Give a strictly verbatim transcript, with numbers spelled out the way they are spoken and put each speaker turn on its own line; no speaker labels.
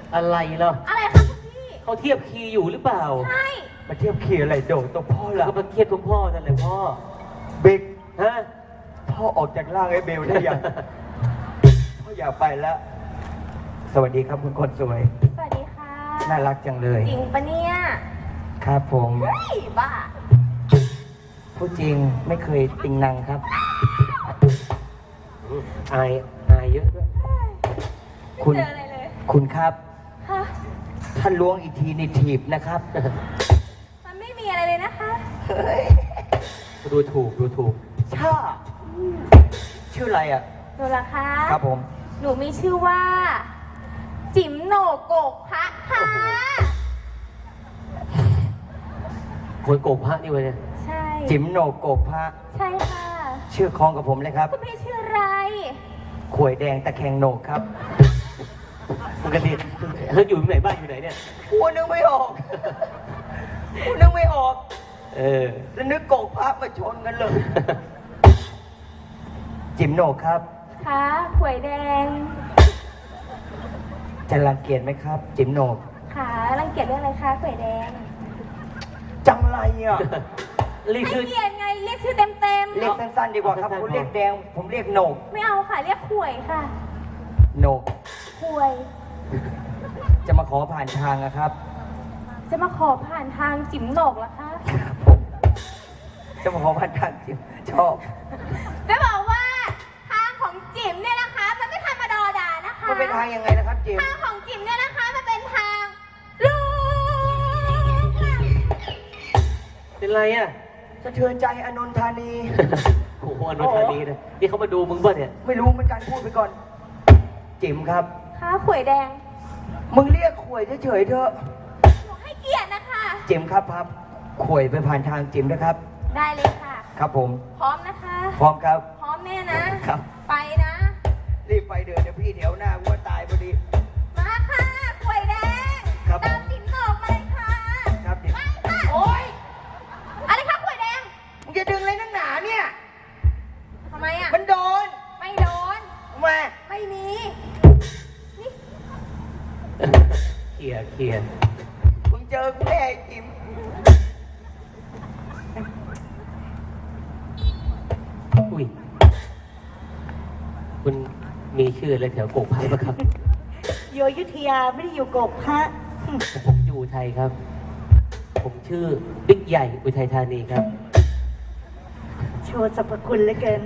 อะไรเหรอ
อะไรคะคุณพี่
เขาเทียบคีย์อยู่หรือเปล่า
ใช่
มาเทียบเคียอะไรโดดตัวพ่อ
แล้ว
ละ
ก็มาเครียดคุณพ่อนั่นแหละพ่อ
บิ๊ก
ฮะ
พ่อออกจากร่างไอ้เบลได้ยัง พ่ออยากไปแล้ว สวัสดีครับคุณคนสวย
สวัสดีค่ะ
น่ารักจังเลย
จริงปะเนี่ย
ครับผม
เฮ้ยบ้า
พูดจริงไม่เคยติงนังครับ
อายอายเยอะด้วย
คุณ
ไม่เจออะไรเลย
คุณครับ
ฮะ
ท่านล้วงอีกทีในถีบนะครับ
มันไม่มีอะไรเลยนะคะ
เฮ้ย
ดูถูกดูถูก
ชาชื่ออะไรอ่ะ
หนูล่ะคะ
ครับผม
หนูมีชื่อว่า จิ๋มโหนกโกกพระค่ะ
คนโกงพระนี่วะเนี่ย
ใช่
จิ๋มโหนกโกกพระ
ใช่ค่ะ
ชื่อคล้องกับผมเลยครับ
คุณพี่ชื่ออะไร
ขวยแดงตะแคงโหนกครับ
ปกติเฮ้ยอยู่ที่ไหนบ้านอยู่ไหนเนี่ย
กูนึกไม่ออก กูนึกไม่ออก
เออ
แล้วนึกโกกพระมาชนกันเลย จิ๋มโหนกครับ
คะขวยแดง
จะรังเกียจไหมครับ จิ๋มโหนก
ขารังเกียจเรื่องอะไรคะขวยแดง
จังไรอ่ะ
รีบ
ให้
ชื่อ
เกียรติไงเรียกชื่อเต็มเต็มๆ
เรียกสั้นๆดีกว่าครับคุณเรียกแดง ผมเรียกโหนก
ไม่เอาค่ะเรียกขวยค่ะ
โหนก
ขวย
จะมาขอผ่านทางนะครับ
จะมาขอผ่านทางจิ๋มโหนกเหรอคะ
จะมาขอผ่านทางจิ๋มชอบ
จะบอกว่าทางของจิ๋มเนี่ยนะคะ มันไม่ธรรมดาดานะคะ
มันเป็นทางยังไงนะครับจิ๋ม
ทางของจิ๋มเนี่ยนะคะมันเป็นทางลูกค่ะ
เป็นไรอ่ะ
สะเทือนใจอนนทธานี
โอ้โหอนุธานีนะนี่เขามาดูมึงป่ะเนี่ย
ไม่รู้เหมือนกันพูดไปก่อน จิ๋มครับ
ค่ะขวยแดง
มึงเรียกขวยเฉยๆเถอะ
หนูให้เกียรตินะคะ
จิ๋มครับครับขวยไปผ่านทางจิ๋มนะครับ
ได้เลยค่ะ
ครับผม
พร้อมนะคะ
พร้อมครับ
พร้อมแน่นะ
ครับ
ไปนะ
รีบไปเดินเดี๋ยวพี่แถวหน้ากูว่าตายพอดี
มาค่ะขวยแดง
ครับผม
ตามจิ๋มโหนกมาเลยค่ะ
ครับจิ๋ม
ไปค่ะ
โอ๊ย
อะไรคะขวยแดง
มึงจะดึงอะไรนักหนาเนี่ย
ทำไมอ่ะ
มันโดน
ไม่โดน
ทำไม
ไม่มี
เขี่ยเขี่ย
มึงเจอกูแน่ไอ้จิ๋ม
อุ้ยคุณมีชื่ออะไรแถวโกกพระปะครับ
อยู่อยุธยาไม่ได้อยู่กบพระ
ผมอยู่อุทัยครับ ผมชื่อบิ๊กใหญ่อุทัยธานีครับ
โชว์สรรพคุณเหลือเกิน